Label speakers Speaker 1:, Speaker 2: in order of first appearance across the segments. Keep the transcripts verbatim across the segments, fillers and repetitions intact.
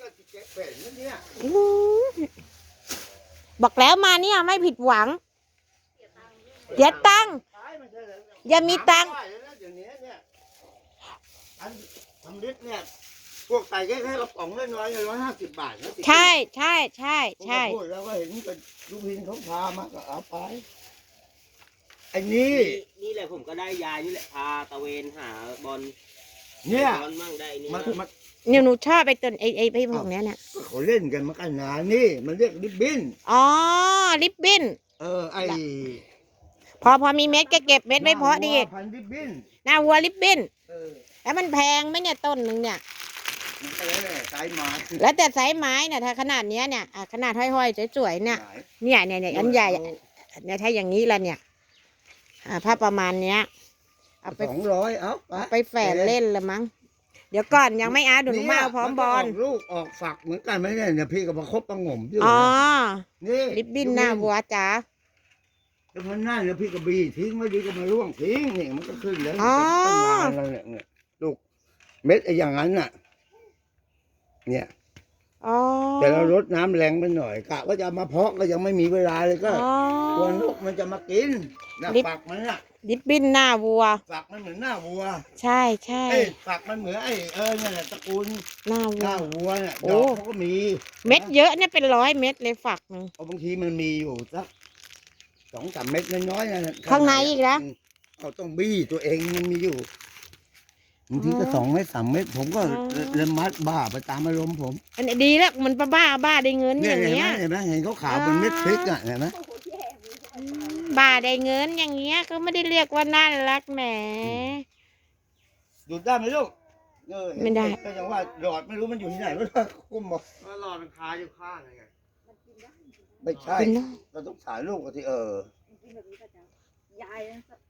Speaker 1: ก็เจ๊เป็นนั่นเนี่ย
Speaker 2: บอกแล้วมาเนี่ยไม่ผิดหวังเสียตังค์อย่ามีตังค์
Speaker 1: อันทำลิตรเนี่ยพวกใส่แค่แค่กระป๋องน้อยๆร้อยห้าสิบบาทนะ
Speaker 2: ใช่ใช่ใช่ใช่
Speaker 1: พูดแล้วก็เห็นเป็นลูกพินเขาพามาก็เอาไปไอ้นี่
Speaker 3: นี่แหละผมก็ได้ยายนี่แหละพาตะเวนหาบอล
Speaker 1: เนี่ย
Speaker 3: บอลมั่งได้นี่
Speaker 1: มันมัน
Speaker 2: เนี่ยหนูชอบไปต้นไอ้ไอ้ไอ้พวกเนี้ยเนี่ย
Speaker 1: เขาเล่นกันมากันนานนี่มันเรียกริบบิ้น
Speaker 2: อ๋อริบบิ้น
Speaker 1: เออไอ
Speaker 2: พอพอมีเม็ดก็เก็บเม็ดไม่พอดี
Speaker 1: พันริบบิ้น
Speaker 2: หน้าวัวริบบิ้นแล้วมันแพงไหมเนี่ยต้นหนึ่งเนี่ย
Speaker 1: สายไม้
Speaker 2: แล้วแต่สายไม้เนี่ยถ้าขนาดเนี้ยเนี่ยขนาดห้อยๆสวยๆเนี่ยเนี่ยเนี่ยเนี่ยอันใหญ่เนี่ยถ้าอย่างนี้ละเนี่ยอ่าถ้าประมาณเนี้ย
Speaker 1: เอาไปสองร้อยเอา
Speaker 2: ไปแฝนเล่นละมั้งเดี๋ยวก่อนยังไม่อาดูหนูมาพร้อมบอล
Speaker 1: ลูกออกฝักเหมือนกันไหมเนี่ยเนี่ยพี่กับประคบประงมอยู่
Speaker 2: อ๋อ
Speaker 1: นี่
Speaker 2: ริบบิ้นหน้าวัวจ๋า
Speaker 1: แล้วมันนั่นเนี่ยพี่กับบีทิ้งไม่ดีก็มาล่วงทิ้งนี่มันก็ขึ้นแล้วตั้งนานแล้วเนี่ยลูกเม็ดไอ้อย่างนั้นน่ะเนี่ยแต่เราลดน้ำแรงไปหน่อยกะว่าจะมาเพาะก็ยังไม่มีเวลาเลยก็ตัวนกมันจะมากินนะฝักมันน่ะ
Speaker 2: ริบบิ้นหน้าวัว
Speaker 1: ฝักมันเหมือนหน้าวัว
Speaker 2: ใช่ใช่
Speaker 1: ฝักมันเหมือนไอ้เออเนี่ยตระกูล
Speaker 2: หน้าวัว
Speaker 1: หน้าวัวเนี่ยดอกเขาก็มี
Speaker 2: เม็ดเยอะเนี่ยเป็นร้อยเม็ดเลยฝักนึง
Speaker 1: บางทีมันมีอยู่สักสองสามเม็ดน้อยๆนะ
Speaker 2: ข้างในอีกนะ
Speaker 1: เขาต้องบี้ตัวเองมันมีอยู่บางทีก็สองเม็ดสามเม็ดผมก็เริ่มมัดบ้าไปตามอารมณ์ผม
Speaker 2: อันนี้ดีแล้วมันบ้าบ้าได้เงินอย่างเงี้ย
Speaker 1: เห็นไหมเห็นเขาขาวเป็นเม็ดพริกอ่ะเห็นไหม
Speaker 2: บ้าได้เงินอย่างเงี้ยก็ไม่ได้เรียกว่าน่ารักแหม
Speaker 1: ดูดได้ไหมลูก
Speaker 2: ไม่ได้
Speaker 1: ก็ยังว่าหลอดไม่รู้มันอยู่ที่ไหนไม่รู้กุ้มบอกหลอดมันคาอยู่ข้างไงไม่ใช่เราต้องถ่ายรูปกันที่เออยาย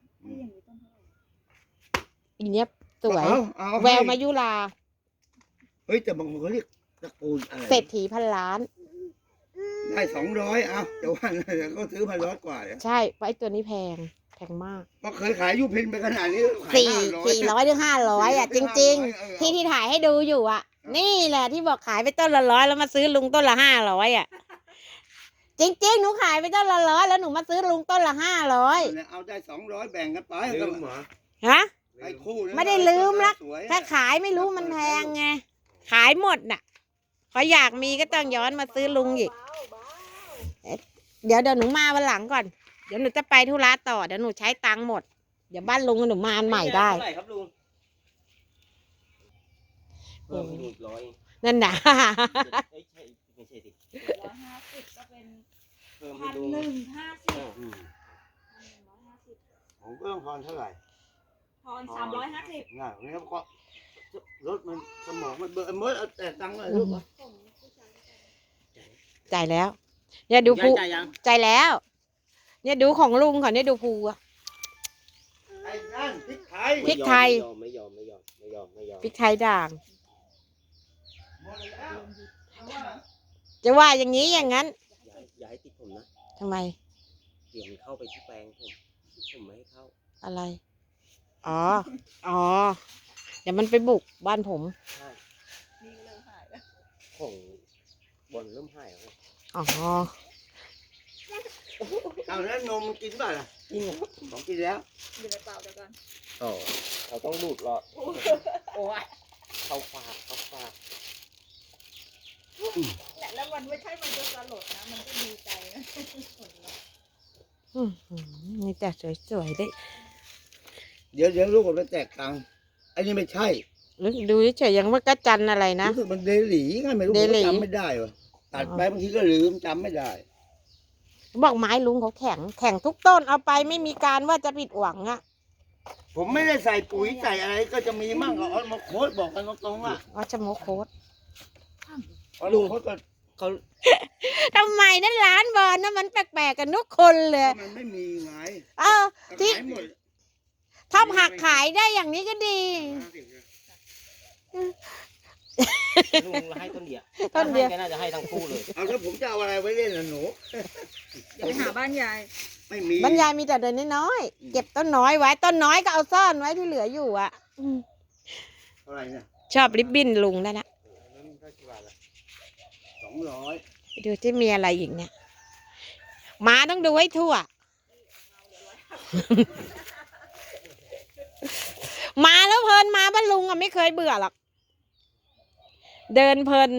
Speaker 2: อีเนี้ยสวยแววมายุรา
Speaker 1: เฮ้ยแต่บางคนเขาเรียกตระกูลอะไร
Speaker 2: เศรษฐีพันล้าน
Speaker 1: ได้สองร้อยเอาแต่ว่าเขาซื้อพันร้อยกว่า
Speaker 2: ใช่ไว้ตัวนี้แพงแพงมาก
Speaker 1: ก็เคยขายยูพินไปขนาดนี้
Speaker 2: สี่สี่ร้อยหรือห้าร้อยอ่ะจริงๆที่ที่ถ่ายให้ดูอยู่อ่ะนี่แหละที่บอกขายไปต้นละร้อยแล้วมาซื้อลุงต้นละห้าร้อยอ่ะจริงๆหนูขายไปต้นละร้อยแล้วหนูมาซื้อลุงต้นละห้าร้อย
Speaker 1: เอาได้สองร้อยแบ่งกันไป
Speaker 2: ฮะไม่ได้ลืมละถ้าขายไม่รู้มันแพงไงขายหมดน่ะพออยากมีก็ต้องย้อนมาซื้อลุงอีกเดี๋ยวเดี๋ยวหนูมาวันหลังก่อนเดี๋ยวหนูจะไปธุระต่อเดี๋ยวหนูใช้ตังค์หมดเดี๋ยวบ้านลุงหนูมาอันใหม่ได้
Speaker 3: ครับลุงเพิ่มไปอีกร้อย
Speaker 2: นั่นน่ะ
Speaker 3: ไม่ใช่ไม่ใช่ดิ
Speaker 4: ร้อยห้าสิบก็เป็นพันหนึ่งห้าสิบ
Speaker 1: ผมก็ต้องพรเท่าไหร่
Speaker 4: พรสามร้อยห้าสิบ
Speaker 1: ง่ายนี่ก็รถมันสมองมันเบอร์เมื่อแต่ตังค์เลยลูก
Speaker 2: จ่ายแล้วเนี่ยดูภูจ่ายแล้วเนี่ยดูของลุงค่ะเนี่ยดูภูอะ
Speaker 1: ไอ้นั่นพริกไทย
Speaker 2: พริกไทย
Speaker 3: ไม่ยอมไม่ยอมไม่ยอมไม่ยอม
Speaker 2: พริกไทยด่างจะว่าอย่างนี้อย่างนั้น
Speaker 3: อย่าให้ติดผมนะ
Speaker 2: ทำไม
Speaker 3: เดี๋ยวมันเข้าไปที่แปลงผมผมไม่ให้เข้า
Speaker 2: อะไรอ๋ออ๋อเดี๋ยวมันไปบุกบ้านผม
Speaker 3: ใช่นี่เริ่มหายแล้วของบนเริ่มหายแล้ว
Speaker 2: อ๋อ
Speaker 1: เอาแล้วนมกินป่ะล่ะกินของกินแล้ว
Speaker 4: อยู่ในเปล่าเดี๋ยวก่อน
Speaker 3: อ๋อเราต้องดูดหลอดโอ้ยเข้าปากเข้าปาก
Speaker 4: แล้วมันไม่ใช่มันจะสลดนะมันก็ดีใจนะ
Speaker 2: นี่แต่สวยๆได้
Speaker 1: เดี๋ยวเดี๋ยวลูกผมไปแตกตังอันนี้ไม่ใช่
Speaker 2: ดูเฉยๆยังว่ากระจันอะไรนะ
Speaker 1: รู้สึกมันเดลี่ไงไม่รู้จำไม่ได้วะตัดไปบางทีก็ลืมจำไม่ได้
Speaker 2: บอกไม้ลุงเขาแข็งแข็งทุกต้นเอาไปไม่มีการว่าจะผิดหวังอ่ะ
Speaker 1: ผมไม่ได้ใส่ปุ๋ยใส่อะไรก็จะมีมั่งเอามาโค้ดบอกกันตรงๆว่า
Speaker 2: ว่าจะโมโค้ด
Speaker 1: ลุงเขาก็เขา
Speaker 2: ทำไมนั่นร้านบอลนะมันแปลกๆกันทุกคนเลย
Speaker 1: มันไม่มีไง
Speaker 2: เออที่ถ้าหักขายได้อย่างนี้ก็ดี
Speaker 3: ลุงให้ต้นเดียว
Speaker 2: ต้นเดียว
Speaker 3: น่าจะให้ทั้งคู่เลย
Speaker 1: เอาแล้วผมจะเอาอะไรไว้เล่นล่ะหนู
Speaker 4: ไปหาบ้านยาย
Speaker 1: ไม่มี
Speaker 2: บ้านยายมีแต่เดินน้อยๆเก็บต้นน้อยไว้ต้นน้อยก็เอาซ่อนไว้ที่เหลืออยู่อ่ะ
Speaker 1: อะไรเนี่ย
Speaker 2: ชอบริบบิ้นลุงได้นะ
Speaker 1: สองร้อย
Speaker 2: ไปดูที่มีอะไรอีกเนี่ยหมาต้องดูให้ทั่ว มาแล้วเพลินมาบ้านลุงอ่ะไม่เคยเบื่อหรอกเดินเพลิน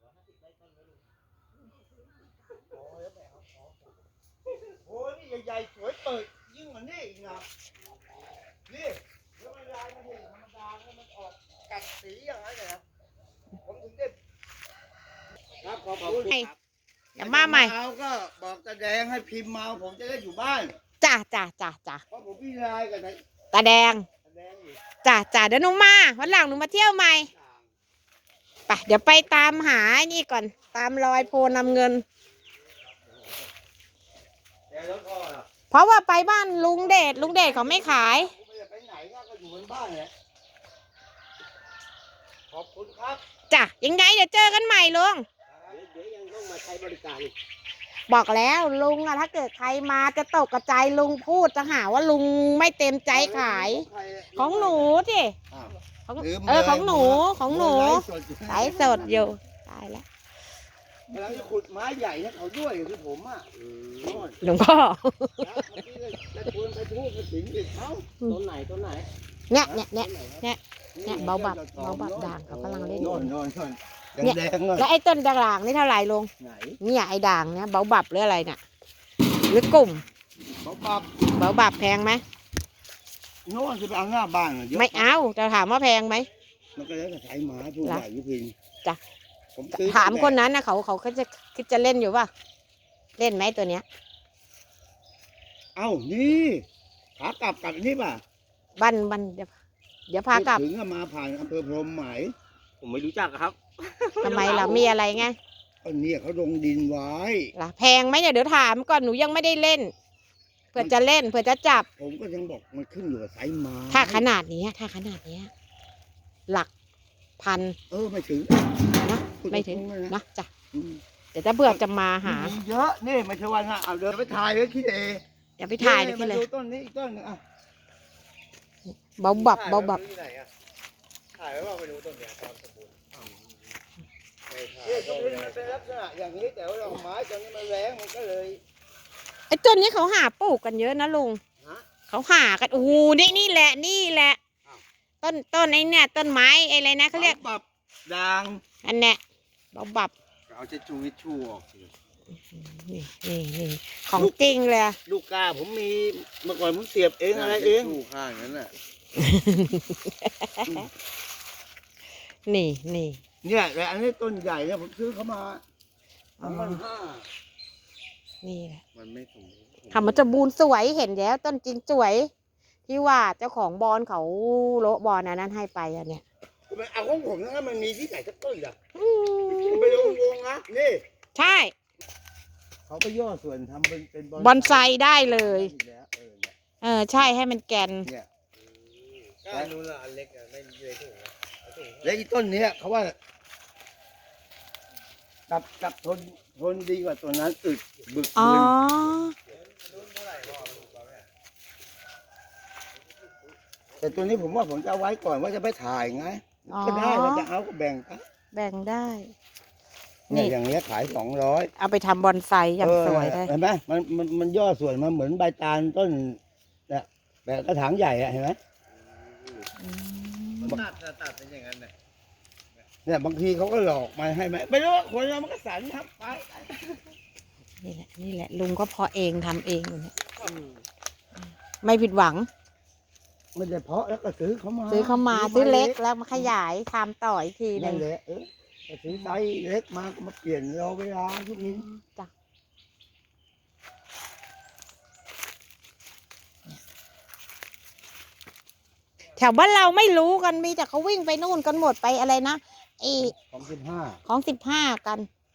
Speaker 1: โอ้ยนี่ใหญ่ๆสวยเปิดยิ่งกว่านี่อีกนะนี่แล้วมันลายมันเห็นธรรมดาแล้วมันออกกัดสีอย่างนั้นเลยนะผมถึงได้ครับขอบคุณครับ
Speaker 2: เดี๋ยวมาใหม่
Speaker 1: เอาก็บอกตาแดงให้พิมพ์มาผมจะได้อยู่บ้าน
Speaker 2: จ้าจ้าจ้าจ้า
Speaker 1: เพราะผมพี่ลายกับนาย
Speaker 2: ตาแดง
Speaker 1: ตาแดงอยู่
Speaker 2: จ้าจ้าเดี๋ยวหนูมาวันหลังหนูมาเที่ยวใหม่ไปเดี๋ยวไปตามหาไอ้นี่ก่อนตามรอยโพนำเงิน
Speaker 1: แต่รถพ่อน่ะ
Speaker 2: เพราะว่าไปบ้านลุงเดชลุงเดชเขาไม่ขาย
Speaker 1: ผมไม่ได้ไปไหนก็อยู่บนบ้านแหละขอบคุณครับ
Speaker 2: จ้ะยังไงเดี๋ยวเจอกันใหม่ลุง
Speaker 3: เดี๋ยวยังต้องมาใช้บริการอีก
Speaker 2: บอกแล้วลุงอะถ้าเกิดใครมาจะตกกระจายลุงพูดจะหาว่าลุงไม่เต็มใจขาย ของหนูสิ
Speaker 1: อ้าว
Speaker 2: ของ
Speaker 1: ลืม
Speaker 2: เออ
Speaker 1: ลย
Speaker 2: ของหนูของหนู
Speaker 1: ไลฟ์สดอยู่
Speaker 2: สายสดอยู่ตายแล้ว
Speaker 1: กำลังจะขุดไม้ใหญ่ให้เขาด้วยคือผมอ่ะโน่น
Speaker 2: หลวงพ่อ
Speaker 1: นะเมื่อกี้เลยจะชวนไปทูบไปสิงอีกเอ้า
Speaker 3: ต้นไหนต้นไหน
Speaker 2: เนี่ยเนี่ยเนี่ยเนี่ยเนี่ยเบาบับเบาบับด่างเขากำลังเล่นอ
Speaker 1: โน่
Speaker 2: ยู่
Speaker 1: นโน่นโน่น
Speaker 2: เนี่ย
Speaker 1: แดงๆเลย
Speaker 2: แล้วไอ้ต้นด่างนี่เท่าไหร่ลุง
Speaker 1: ไหน
Speaker 2: เนี่ยไอ้ด่างเนี่ยเบาบับหรืออะไรเนี่ยหรือกลุ่ม
Speaker 1: เขาปรับ
Speaker 2: เบาบับแพงไหม
Speaker 1: โน่นจะไปเอาหน้าบ้านเหรอเยอะ
Speaker 2: ไม่เอาจะถามว่าแพงไหม
Speaker 1: มันก็แล้วแต่ใช้หมาผู้
Speaker 2: เหรอ
Speaker 1: ใหญ่ยุพิน
Speaker 2: จ้ะ
Speaker 1: ผมซื้อ
Speaker 2: ถามคนนั้นนะเขาเขาเขาจะคิดจะเล่นอยู่ป่ะเล่นไหมตัวเนี้ย
Speaker 1: เอ้านี่ขากลับกลับนี่ป่ะ
Speaker 2: บันบันเดี๋ยวเดี๋ยวพากลับ
Speaker 1: ถึงก็มาผ่านอำเภอพรหมไหม
Speaker 3: ผมไม่รู้จักครับ
Speaker 2: ทำไมล่ะมีอะไรไง
Speaker 1: ก็เนี่ยเขาลงดินไว้
Speaker 2: ล่ะแพงไหมเนี่ยเดี๋ยวถามก่อนหนูยังไม่ได้เล่นเผื่อจะเล่นเผื่อจะจับ
Speaker 1: ผมก็ยังบอกมันขึ้นอยู่กับสายไม้
Speaker 2: ถ้าขนาดนี้ถ้าขนาดนี้หลักพัน
Speaker 1: เออไม่ถึง
Speaker 2: นะไม่ถึง
Speaker 1: พูดตรๆเลยนะ
Speaker 2: นะจ้ะ
Speaker 1: อืม
Speaker 2: เดี๋ยวจะเบื่อจะมาหา
Speaker 1: มีเยอะนี่ไม่ใช่ว่านะเอาเดินไปถ่ายไว้ขี้เอ
Speaker 2: อย่าไปถ่ายเลย
Speaker 1: มา
Speaker 2: เลย
Speaker 1: ดูต้นนี้อีกต้นหนึงอ่ะ
Speaker 2: เบาบับเบาบับ
Speaker 3: ถ่ายไว้ว่าไปดูต้นเนี้ยตอนสมบูรณ์ไม่ถ่าย
Speaker 1: เนี่ยต้นนี้มันเป็นลักษณะอย่างนี้แต่ว่าดอกไม้ตอนนี้มันแรงมันก็เลย
Speaker 2: ไอ้ต้นนี้เขาหาปลูกกันเยอะนะลุง
Speaker 1: ฮะ
Speaker 2: เขาหากันโอ้โหนี่นี่แหละนี่แหละ
Speaker 1: อ้าว
Speaker 2: ต้นต้นไอ้เนี่ยต้นไม้ไอ้อะไรนะเขาเรียก
Speaker 1: ปรับด่าง
Speaker 2: อันเนี้ยเบาบับ
Speaker 1: เอาเช็ดชูวิชชูออกสิ
Speaker 2: นี่นี่นี่ของจริงเลย
Speaker 1: ลูกกาผมมีเมื่อก่อนผมเสียบเองอะไรเอง
Speaker 3: ชูข้างนั้นน่ะ
Speaker 2: นี่นี่
Speaker 1: เนี่ยแต่อันนี้ต้นใหญ่เนี่ยผมซื้อเขามา
Speaker 2: อ๋อ
Speaker 1: พันห้า
Speaker 2: นี่แหละ
Speaker 3: มันไม่สมบูรณ์
Speaker 2: ทำมันจะบูนสวยเห็นแล้วต้นจริงสวย ที่ว่าเจ้าของบอลเขาโละบอลอันนั้นให้ไปอันเนี้ย
Speaker 1: มันเอาของผมนะมันมีที่ไหนสักต้นอ่ะ
Speaker 2: อืม
Speaker 1: ไปลงวงนะนี่
Speaker 2: ใช่
Speaker 1: เขาไปย่อส่วนทำเป็นเป็น
Speaker 2: บอนไซได้เลย
Speaker 1: แล้วเออเนี่ย
Speaker 2: เออใช่ให้มันแกน
Speaker 1: เนี่ย
Speaker 3: ก้านนู้นละอันเล็กอะไม่เลยถุงนะเอาถุง
Speaker 1: แล้วอีต้นเนี้ยเขาว่ากับกับทนทนดีกว่าตัวนั้นอึดบึก
Speaker 2: อ๋อ
Speaker 1: บึน
Speaker 3: รุ่นเท่าไหร่พ่อลูกเราเนี่ย
Speaker 1: แต่ตัวนี้ผมว่าผมจะเอาไว้ก่อนว่าจะไปถ่ายไง
Speaker 2: อ๋อ
Speaker 1: ก็ได้ว่าจะเอาก็แบ่งกัน
Speaker 2: แบ่งได้
Speaker 1: เนี่ย
Speaker 2: นี่
Speaker 1: อย่างเงี้ยขายสองร้อย
Speaker 2: เอาไปทำบอนไซอย่างสวยเลย
Speaker 1: เห็นไหมมันมันมันย่อส่วนมาเหมือนใบตาลต้นเนี่ยแบบกระถางใหญ่อะเห็นไหม
Speaker 3: มันตัดน่ะตัดเป็นอย่างนั้นน่ะ
Speaker 1: เนี่ยบางทีเขาก็หลอกมาให้ไหมไม่รู้ว่าคนเรามันก็สันครับไป
Speaker 2: นี่แหละนี่แหละลุงก็เพาะเองทำเองอยู่เนี่ยไม่ผิดหวัง
Speaker 1: ไม่ได้เพาะแล้วก็ซื้อเขามา
Speaker 2: ซื้อเข้ามาซื้อเล็กแล้วมาขยายทำต่ออีกทีหนึ
Speaker 1: นั่น
Speaker 2: ง
Speaker 1: แหละเออก็ซื้อไซส์เล็กมาก็มาเปลี่ยนรอเวลาทุกนี้
Speaker 2: จ้ะแถวบ้านเราไม่รู้กันมีแต่เขาวิ่งไปนู่นกันหมดไปอะไรนะไอ
Speaker 1: ของสิบห้า
Speaker 2: ของสิบห้ากัน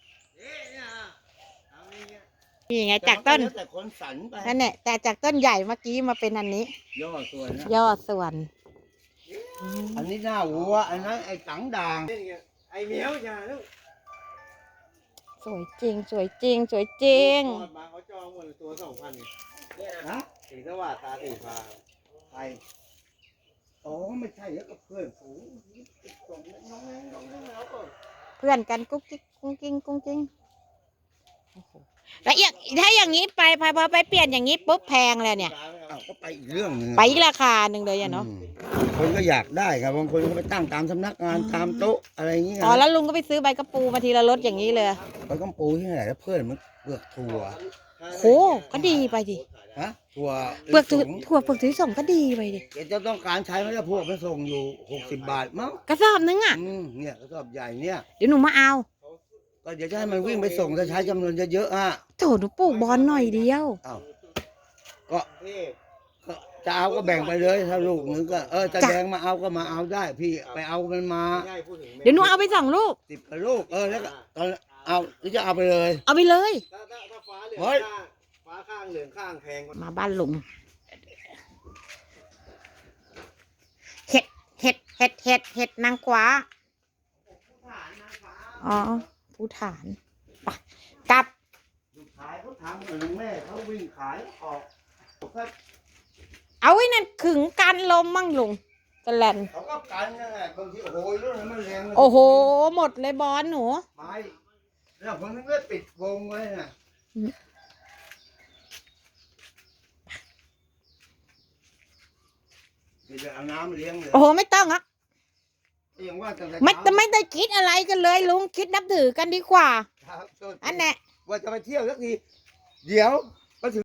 Speaker 2: นี่ไงจากต้น
Speaker 1: แล้วแต่คนสันไป
Speaker 2: นั่นแหละแต่จากต้นใหญ่เมื่อกี้มาเป็นอันนี้
Speaker 1: ย่อส่วนนะ
Speaker 2: ย่อส่วนอืม
Speaker 1: อันนี้หน้าวัวอันนั้นไอ้สังด่าง
Speaker 3: ไอ้เหมียวอย่าลูก
Speaker 2: สวยจริง สวยจริง สวยจริง
Speaker 3: ทอดมาเขาจองหมดเลยตัวสองพันเนี่ย
Speaker 1: ฮะ
Speaker 3: สีสว่างตาสีฟ้า
Speaker 1: ไปอ๋อไม่ใช่แล้วก็เพื่อนฝูงส่งน้องน้องน้องน้องแล้วก็
Speaker 2: เพื่อนกันกุ๊กกิ๊กกุ้งกิ้งกุ้งกิ้งโอ้โหแล้วอย่างถ้าอย่างนี้ไปพอพอไปเปลี่ยนอย่างนี้ปุ๊บแพงเลยเนี่ย
Speaker 1: อ้าวก็ไปอีกเรื่องหนึง
Speaker 2: ไปอีกราคาหนึ่งเลยอะเนาะ
Speaker 1: อืมคนก็อยากได้ครับบางคนก็ไปตั้งตามสำนักงานตามโต๊ะอะไรอย่างเงี้ย
Speaker 2: อ๋อแล้วลุงก็ไปซื้อใบกระปูมาทีละรถอย่างนี้เลย
Speaker 1: ไปกำปูที่ไหนแล้วเพื่อนมันเปลือกถั่ว
Speaker 2: โหก็ดีไปดิ
Speaker 1: ฮะถั่ว
Speaker 2: เปลือกถั่ว
Speaker 1: สูง
Speaker 2: ถั่วเปลือกถั่วส่งก็ดีไปดิ
Speaker 1: เดี๋ยวจะต้องการใช้ไหมล่ะพวกมันส่งอยู่หกสิบบาทมั้ง
Speaker 2: กระสอบนึงอ่ะ
Speaker 1: อืมเนี่ยกระสอบใหญ่เนี่ย
Speaker 2: เดี๋ยวหนูมาเอา
Speaker 1: ก็เดี๋ยวจะให้มันวิ่งไปส่งจะใช้จำนวนเยอะๆอ่ะ
Speaker 2: โถหนูปลูกบอลหน่อยเดียว
Speaker 1: อ้าวก็ก็จะเอาก็แบ่งไปเลยถ้าลูกนึงก็เออจะ
Speaker 2: จ้ะ
Speaker 1: แดงมาเอาก็มาเอาได้ พี่ไปเอามันมา
Speaker 2: เดี๋ยวหนูเอาไปสองลูก
Speaker 1: สิบกว่าลูกเออแล้วก็ตอนเอาหรือจะเอาไปเลย
Speaker 2: เอาไปเลย
Speaker 3: ถ้าถ้าถ้าฟ้าเหลือง
Speaker 1: เฮ้ย
Speaker 3: ข้างฟ้าข้างเหลืองข้างแพงกว่า
Speaker 2: มาบ้านลุงเห็ดเห็ดเห็ดเห็ดเห็ดนางกว้าอ๋อผู้ฐานไปกลับ
Speaker 1: ลูกชายเขาทำเหมือนแม่เขาวิ่งขายออกก็
Speaker 2: เอาไว้นั่นขึงกันลมมั่งลุงกระแลน
Speaker 1: เขาก็กันนั่นแหละบางทีโอ้โหเรื่องนั้นมันแรงเลย
Speaker 2: โอ้โห หมดเลยบอลหนู
Speaker 1: ไม้แล้วผมนึกว่าปิดวงไว้น่ะ
Speaker 2: อืม
Speaker 1: เดี๋ยวจะเอาน้ำเลี้ยงเลย
Speaker 2: โอ้โห ไม่ต้องอ่ะ
Speaker 1: ยังว่าตั้งแต่
Speaker 2: ไม่
Speaker 1: เช้า
Speaker 2: ไม่ได้คิดอะไรกันเลยลุงคิดนับถือกันดีกว่า
Speaker 1: ครับ
Speaker 2: อันแน่
Speaker 1: ว่าจะไปเที่ยวสักที เดี๋ยว